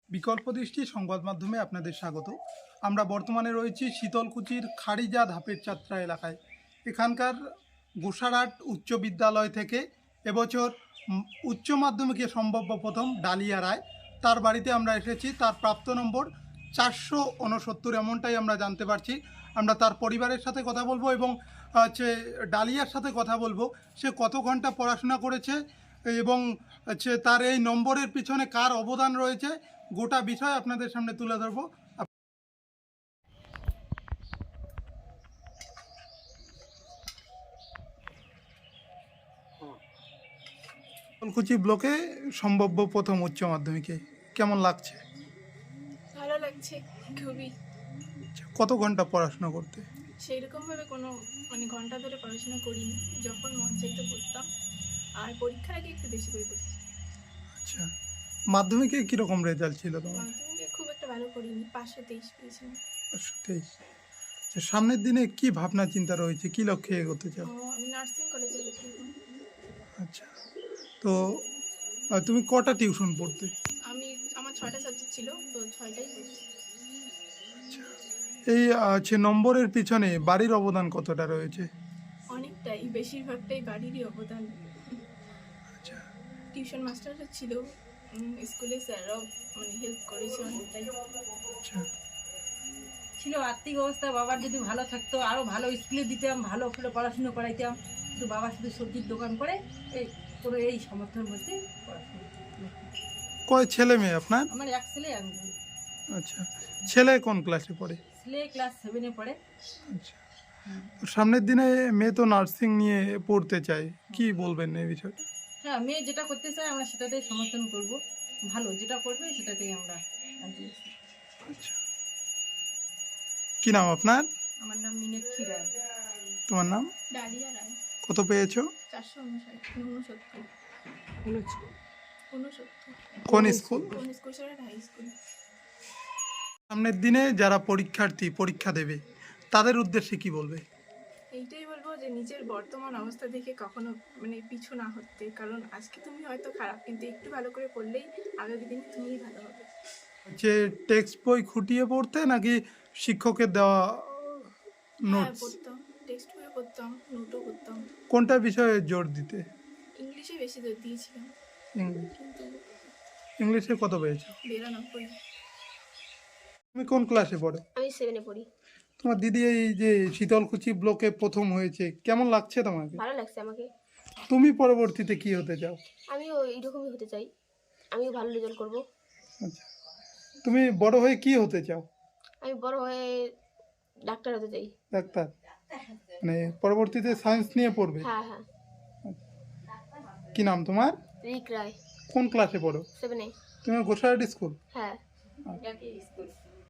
বিকল্প দৃষ্টি সংবাদ মাধ্যমে আপনাদের স্বাগত। আমরা বর্তমানে রয়েছি শীতলকুচির খাড়িজা ধাপের যাত্রা এলাকায়। এখানকার গোসারহাট উচ্চ বিদ্যালয় থেকে এবছর উচ্চ মাধ্যমিকে সম্ভাব্য প্রথম ডালিয়া রায়, তার বাড়িতে আমরা এসেছি। তার প্রাপ্ত নম্বর 469, এমনটাই আমরা জানতে পারছি। আমরা তার পরিবারের সাথে কথা বলবো এবং হচ্ছে ডালিয়ার সাথে কথা বলবো, সে কত ঘন্টা পড়াশোনা করেছে এবং হচ্ছে তার এই নম্বরের পিছনে কার অবদান রয়েছে, গোটা বিষয় আপনাদের সামনে তুলে ধরবো। ফুলকুচি ব্লকে সম্ভাব্য প্রথম উচ্চ মাধ্যমিকে কেমন লাগছে? ভালো লাগছে খুবই। কত ঘন্টা পড়াশোনা করতে? সেইরকমভাবে কোনো ঘন্টা ধরে পড়াশোনা করিনি, যখন মন চাইতে পড়তাম, আর পরীক্ষার আগে একটু বেশি করে পড়ছি। আচ্ছা, মাধ্যমিকে কীরকম রেজাল্ট ছিল তোমার? মাধ্যমিকে খুব একটা ভালো করিনি, 523 পেয়েছিলাম। 523। আচ্ছা, সামনের দিনে কি ভাবনা চিন্তা রয়েছে, কি লক্ষ্যে এগোতে চাও? আমি নার্সিং কলেজে ভর্তি হলাম। আচ্ছা, তো তুমি কটা টিউশন পড়তে? আমার 6টা সাবজেক্ট ছিল, তো 6টাই পড়ছি। আচ্ছা, এই নম্বরের পিছনে বাড়ির অবদান কতটা রয়েছে? অনেকটাই, বেশিরভাগটাই বাড়িরই অবদান। আচ্ছা, টিউশন মাস্টাররা ছিল, স্কুলে স্যাররাও হেল্প করেছে অনেকটাই। আচ্ছা, ছিল আর্থিক অবস্থা বাবার যদি ভালো থাকতো আরও ভালো স্কুলে দিতাম, ভালো করে পড়াশুনো করাইতাম। কিন্তু বাবা শুধু সবজির দোকান করে এই সমর্থনের মধ্যে পড়াশুনো। কয় ছেলে মেয়ে আপনার? আমার এক ছেলে এক মেয়ে। আচ্ছা, ছেলে কোন ক্লাসে পড়ে? ছেলে ক্লাস 7-এ পড়ে। আচ্ছা, তো সামনের দিনে মেয়ে তো নার্সিং নিয়ে পড়তে চায়, কি বলবেন এই বিষয়টা? হ্যাঁ, মেয়ে যেটা করতে চায় আমরা সেটাতেই সমর্থন করব, ভালো যেটা করবে সেটাতেই আমরা রাজি আছি। আচ্ছা, কি নাম আপনার? আমার নাম মিনাক্ষী রায়। তোমার নাম? ডালিয়া রায়। কত পেয়েছো? 459। কোন স্কুল? High school. সামনের দিনে যারা পরীক্ষা দেবে তাদের উদ্দেশ্যে কি বলবে? এইটাই বলবো যে নিজের বর্তমান অবস্থা দেখে কখনো পিছু না হতে, কারণ আজকে তুমি হয়তো খারাপ, কিন্তু একটু ভালো করে পড়লেই আগামী দিনে তুমিই ভালো হবে। যে টেক্সট বই খুঁটিয়ে পড়তে নাকি শিক্ষকের দেওয়া হ্যাঁ, নোটস? পড়তাম, টেক্সট বইও পড়তাম, নোটও করতাম। কোনটা বিষয়ে জোর দিতে? ইংলিশে বেশি জোর দিয়েছিলাম, ইংলিশ। কিন্তু ইংলিশে কত পেয়েছো? 92। তুমি কোন ক্লাসে পড়ো? আমি 7-এ পড়ি। তোমার দিদি এই যে শীতলকুচি ব্লকে প্রথম হয়েছে, কেমন লাগছে তোমাকে? ভালো লাগছে আমাকে। তুমি পরবর্তীতে কি হতে চাও? আমিও এইরকমই হতে চাই, আমিও ভালো রেজাল্ট করব। আচ্ছা, তুমি বড় হয়ে কি হতে চাও? আমি বড় হয়ে ডাক্তার হতে চাই। ডাক্তার? মানে পরবর্তীতে সায়েন্স নিয়ে পড়বে? হ্যাঁ হ্যাঁ। কি নাম তোমার? রিক রায়। কোন ক্লাসে পড়ো? 7-এ। তুমি গোসাইহাট স্কুল? হ্যাঁ। একই স্কুল।